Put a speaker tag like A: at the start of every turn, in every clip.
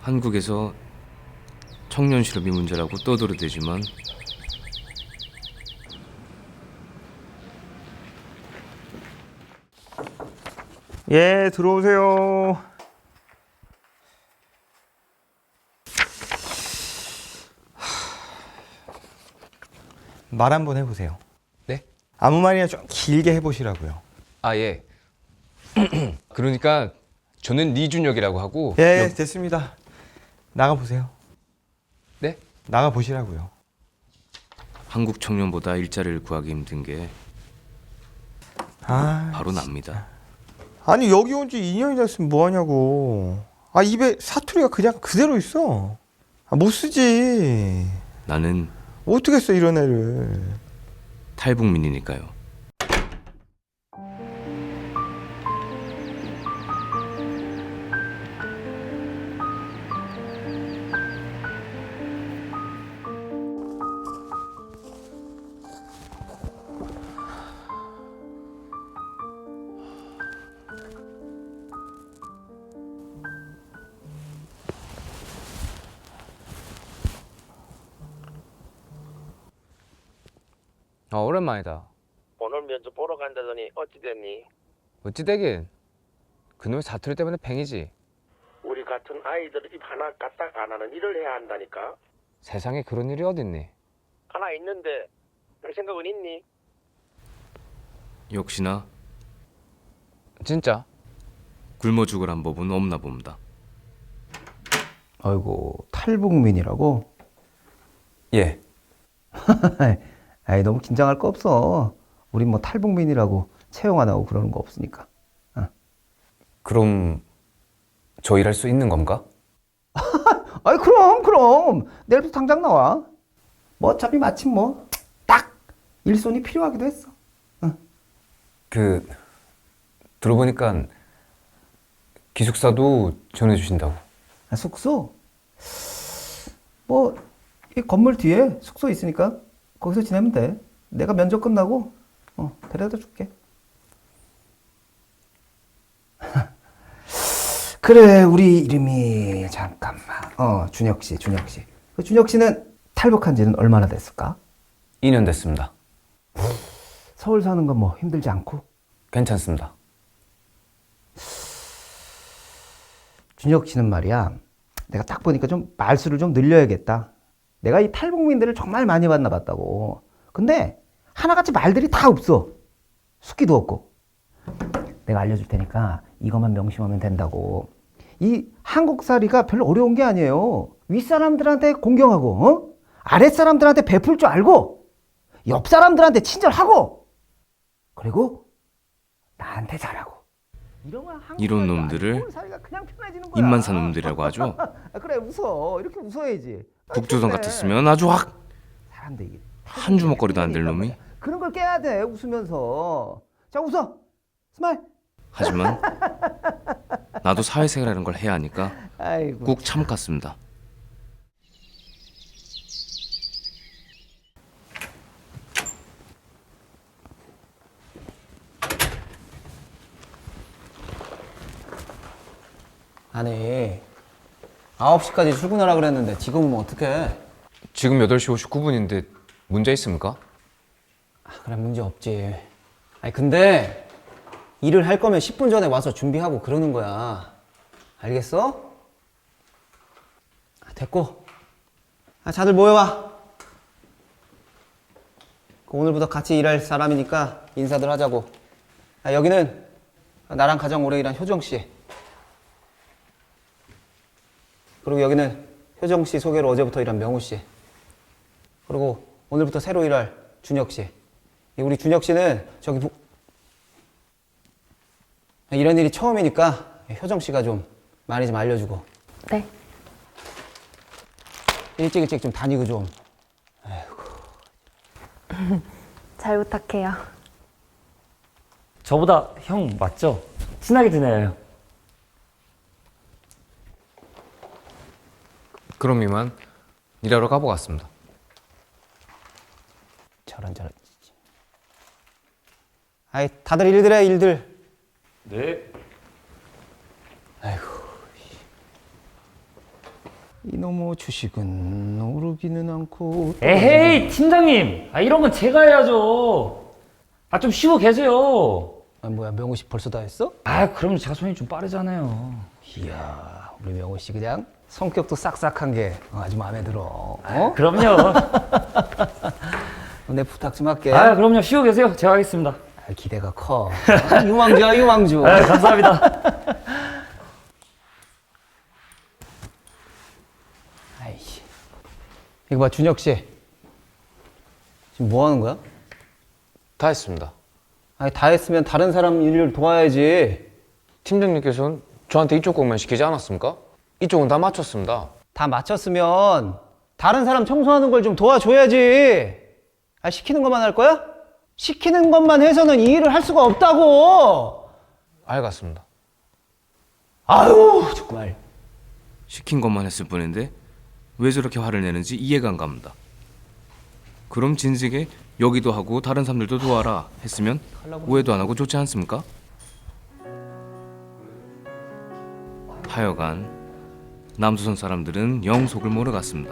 A: 한국에서 청년 실업이 문제라고 떠들어대지만
B: 예, 들어오세요. 말 한번 해보세요.
C: 네?
B: 아무 말이나 좀 길게 해보시라고요.
C: 아, 예. 그러니까 저는 이준혁이라고 하고.
B: 예, 됐습니다. 나가보세요.
C: 네?
B: 나가보시라고요.
A: 한국 청년보다 일자리를 구하기 힘든 게 바로 납니다.
B: 아니 여기 온 지 2년이 됐으면 뭐하냐고. 아, 입에 사투리가 그냥 그대로 있어. 아, 못 쓰지.
A: 나는
B: 어떻게 써 이런 애를.
A: 탈북민이니까요.
C: 오랜만이다.
D: 오늘 면접 보러 간다더니 어찌 됐니?
C: 어찌 되긴 그놈의 사투리 때문에 팽이지.
D: 우리 같은 아이들 입 하나 까딱 안 하는 일을 해야 한다니까.
C: 세상에 그런 일이 어딨니?
D: 하나 있는데 별 생각은 있니?
A: 역시나
C: 진짜?
A: 굶어 죽으란 법은 없나 봅니다.
E: 아이고, 탈북민이라고?
C: 예.
E: 아이, 너무 긴장할 거 없어. 우린 뭐 탈북민이라고 채용 안 하고 그러는 거 없으니까.
C: 그럼 저 일할 수 있는 건가?
E: 아이, 그럼. 내일부터 당장 나와. 뭐 어차피 마침 뭐 딱 일손이 필요하기도 했어.
C: 들어보니까 기숙사도 전해주신다고.
E: 아, 숙소? 뭐, 이 건물 뒤에 숙소 있으니까 거기서 지내면 돼. 내가 면접 끝나고 데려다 줄게. 그래, 우리 이름이 잠깐만. 준혁 씨. 그 준혁 씨는 탈북한 지는 얼마나 됐을까?
C: 2년 됐습니다.
E: 서울 사는 건 뭐 힘들지 않고?
C: 괜찮습니다.
E: 준혁 씨는 말이야, 내가 딱 보니까 좀 말수를 좀 늘려야겠다. 내가 이 탈북민들을 정말 많이 만나봤다고. 근데 하나같이 말들이 다 없어. 숙기도 없고. 내가 알려줄 테니까 이것만 명심하면 된다고. 이 한국살이가 별로 어려운 게 아니에요. 윗사람들한테 공경하고, 아랫사람들한테 베풀 줄 알고, 옆사람들한테 친절하고, 그리고 나한테 잘하고.
A: 이런 놈들을 입만 산 놈들이라고 하죠.
E: 그래, 웃어. 이렇게 웃어야지.
A: 북조선 같았으면 아주 확
E: 사람들이
A: 한 주먹거리도 안 될 놈이.
E: 그런 걸 깨야 돼, 웃으면서. 자, 웃어. 스마일.
A: 하지만 나도 사회생활이라는 걸 해야 하니까
E: 아이고.
A: 꾹 참았습니다.
F: 아니 9시까지 출근하라 그랬는데 지금은 어떡해?
C: 지금 8시 59분인데 문제 있습니까?
F: 그래, 문제 없지. 아니 근데 일을 할 거면 10분 전에 와서 준비하고 그러는 거야. 알겠어? 됐고, 다들 모여와. 오늘부터 같이 일할 사람이니까 인사들 하자고. 여기는 나랑 가장 오래 일한 효정씨, 그리고 여기는 효정씨 소개로 어제부터 일한 명우씨, 그리고 오늘부터 새로 일할 준혁씨. 우리 준혁씨는 이런 일이 처음이니까 효정씨가 좀 많이 좀 알려주고.
G: 네.
F: 일찍 좀 다니고 좀.
G: 잘 부탁해요.
H: 저보다 형 맞죠? 친하게 지내요.
C: 그럼 이만 일하러 가보겠습니다.
F: 저런. 아이, 다들 일들 해, 일들.
H: 네.
F: 아이고. 이놈의 주식은 오르기는 않고.
H: 에헤이, 팀장님. 아, 이런 건 제가 해야죠. 아, 좀 쉬고 계세요.
F: 아, 뭐야, 명호 씨 벌써 다 했어?
H: 아, 그럼 제가 손이 좀 빠르잖아요.
F: 이야, 우리 명호 씨 그냥 성격도 싹싹한 게 아주 마음에 들어. 어?
H: 그럼요.
F: 내 부탁 좀 할게.
H: 아, 그럼요. 쉬고 계세요. 제가 하겠습니다.
F: 아, 기대가 커. 유망주야, 유망주.
H: 아, 감사합니다.
F: 아이씨. 이거 봐, 준혁 씨. 지금 뭐 하는 거야?
C: 다 했습니다.
F: 아니, 다 했으면 다른 사람 일을 도와야지.
C: 팀장님께서는 저한테 이쪽 것만 시키지 않았습니까? 이쪽은 다 마쳤습니다.
F: 다 마쳤으면 다른 사람 청소하는 걸 좀 도와줘야지. 아, 시키는 것만 할 거야? 시키는 것만 해서는 이 일을 할 수가 없다고.
C: 알겠습니다.
F: 아유, 정말.
A: 시킨 것만 했을 뿐인데 왜 저렇게 화를 내는지 이해가 안 갑니다. 그럼 진즉에 여기도 하고 다른 사람들도 도와라 했으면 오해도 안 하고 좋지 않습니까? 하여간 남조선 사람들은 영 속을 모르겠습니다.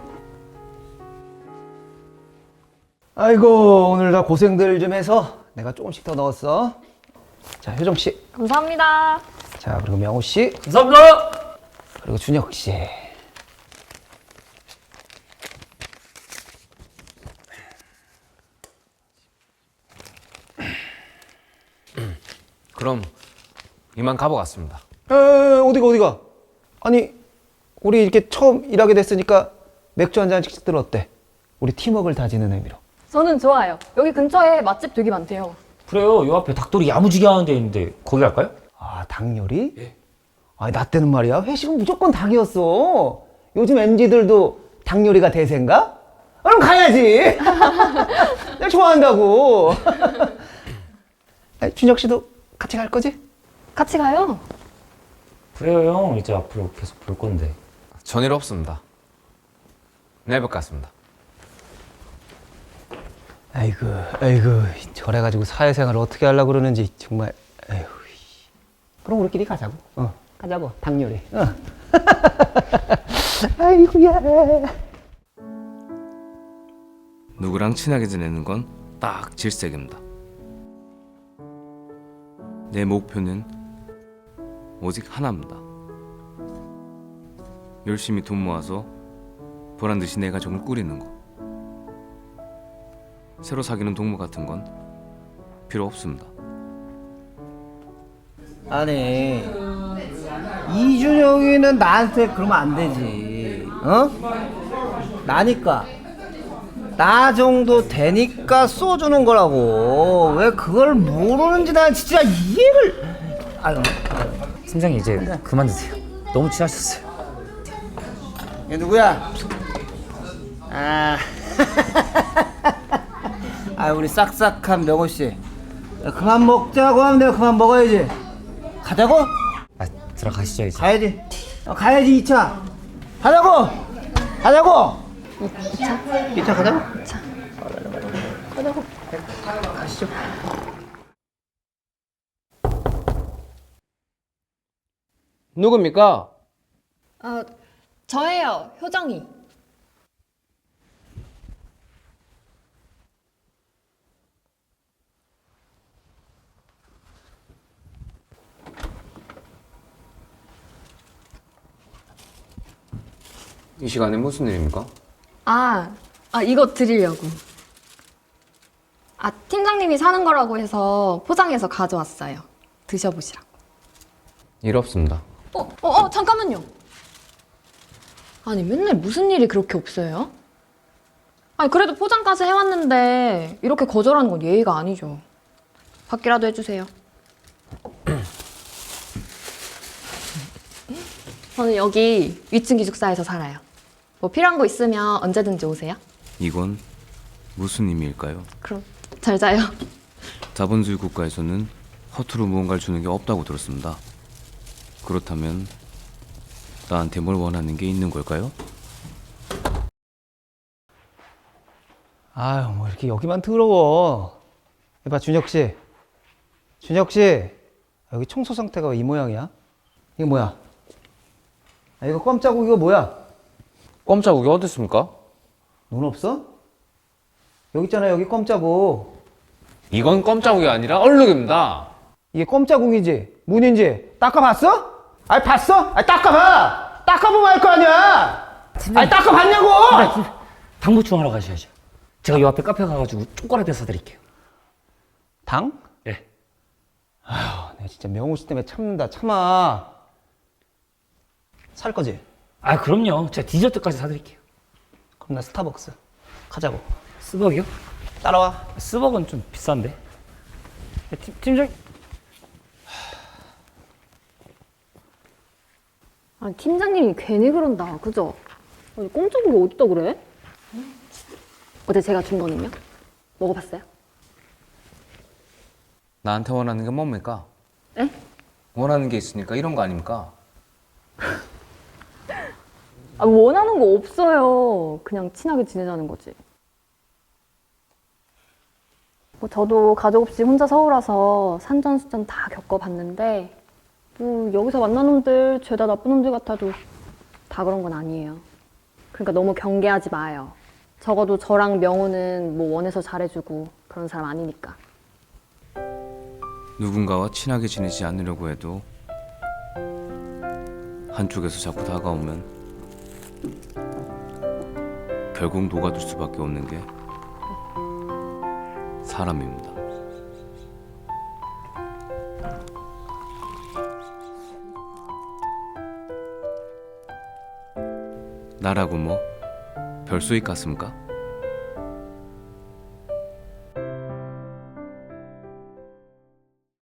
F: 아이고, 오늘 다 고생들 좀 해서 내가 조금씩 더 넣었어. 자, 효정 씨.
G: 감사합니다.
F: 자, 그리고 명호 씨.
H: 감사합니다.
F: 그리고 준혁 씨.
C: 그럼 이만 가보겠습니다.
F: 어디가? 아니, 우리 이렇게 처음 일하게 됐으니까 맥주 한 잔씩 들어 어때? 우리 팀워크를 다지는 의미로.
G: 저는 좋아요. 여기 근처에 맛집 되게 많대요.
H: 그래요. 요 앞에 닭도리 야무지게 하는 데 있는데 거기 갈까요?
F: 아, 닭 요리? 예. 아, 나 때는 말이야. 회식은 무조건 닭이었어. 요즘 MZ들도 닭 요리가 대세인가? 그럼 가야지. 내가 좋아한다고. 아니, 준혁 씨도 같이 갈 거지?
G: 같이 가요.
H: 그래요, 형. 이제 앞으로 계속 볼 건데.
C: 전일 없습니다. 내일 뵙겠습니다.
F: 아이고, 저래가지고 사회생활을 어떻게 하려고 그러는지 정말. 아이고. 그럼 우리끼리 가자고. 가자고. 닭 요리. 아이고야.
A: 누구랑 친하게 지내는 건 딱 질색입니다. 내 목표는 오직 하나입니다. 열심히 돈 모아서 보란듯이 내 가정을 꾸리는 거. 새로 사귀는 동무 같은 건 필요 없습니다.
E: 아니, 이준혁이는 나한테 그러면 안 되지. 어? 나니까. 나 정도 되니까 쏘주는 거라고. 왜 그걸 모르는지 난 진짜 이해를. 아유.
H: 팀장님, 이제 그만 드세요. 너무 취하셨어요.
E: 얘 누구야? 아. 아, 우리 싹싹한 명호 씨. 그만 먹자고 하면 내가 그만 먹어야지. 가자고?
H: 아, 들어가시죠, 이제.
E: 가야지. 가야지 2차. 가자고. 2차 가자고. 가자고. 가시죠.
C: 누굽니까?
G: 저예요. 효정이.
C: 이 시간에 무슨 일입니까?
G: 이거 드리려고. 팀장님이 사는 거라고 해서 포장해서 가져왔어요. 드셔보시라고.
C: 일 없습니다.
G: 잠깐만요. 아니, 맨날 무슨 일이 그렇게 없어요? 아니, 그래도 포장까지 해왔는데 이렇게 거절하는 건 예의가 아니죠. 받기라도 해주세요. 저는 여기 위층 기숙사에서 살아요. 뭐 필요한 거 있으면 언제든지 오세요.
A: 이건 무슨 의미일까요?
G: 그럼 잘 자요.
A: 자본주의 국가에서는 허투루 무언가를 주는 게 없다고 들었습니다. 그렇다면 나한테 뭘 원하는 게 있는 걸까요?
F: 아유, 뭐 이렇게 여기만 더러워. 이봐, 준혁 씨. 여기 청소 상태가 왜 이 모양이야? 이게 뭐야? 아, 이거 껌자국 이거 뭐야?
C: 껌자국이 어디 있습니까?
F: 눈 없어? 여기 있잖아, 여기 껌자국.
C: 이건 껌자국이 아니라 얼룩입니다.
F: 이게 껌자국이지? 문인지? 닦아봤어? 아니, 봤어? 아니, 닦아봐! 닦아보면 알 거 아니야! 아니, 닦아봤냐고!
H: 당 보충하러 가셔야죠. 제가 요 앞에 카페 가가지고 초콜릿 사드릴게요.
F: 당?
H: 예.
F: 아휴, 내가 진짜 명호 씨 때문에 참는다, 참아. 살 거지?
H: 아, 그럼요. 제가 디저트까지 사드릴게요.
F: 그럼 나 스타벅스. 가자고.
H: 스벅이요?
F: 따라와.
H: 스벅은 좀 비싼데. 팀장.
G: 아니, 팀장님이 괜히 그런다. 그죠? 아니, 꼼짝이 어디다 그래? 어제 제가 준 거는요? 먹어봤어요?
A: 나한테 원하는 게 뭡니까?
G: 에?
A: 원하는 게 있으니까 이런 거 아닙니까?
G: 아, 원하는 거 없어요. 그냥 친하게 지내자는 거지. 뭐 저도 가족 없이 혼자 서울 와서 산전수전 다 겪어봤는데 뭐 여기서 만난 놈들 죄다 나쁜 놈들 같아도 다 그런 건 아니에요. 그러니까 너무 경계하지 마요. 적어도 저랑 명호는 뭐 원해서 잘해주고 그런 사람 아니니까.
A: 누군가와 친하게 지내지 않으려고 해도 한쪽에서 자꾸 다가오면 결국 녹아들 수밖에 없는 게 사람입니다. 나라고 뭐 별소익 같습니까?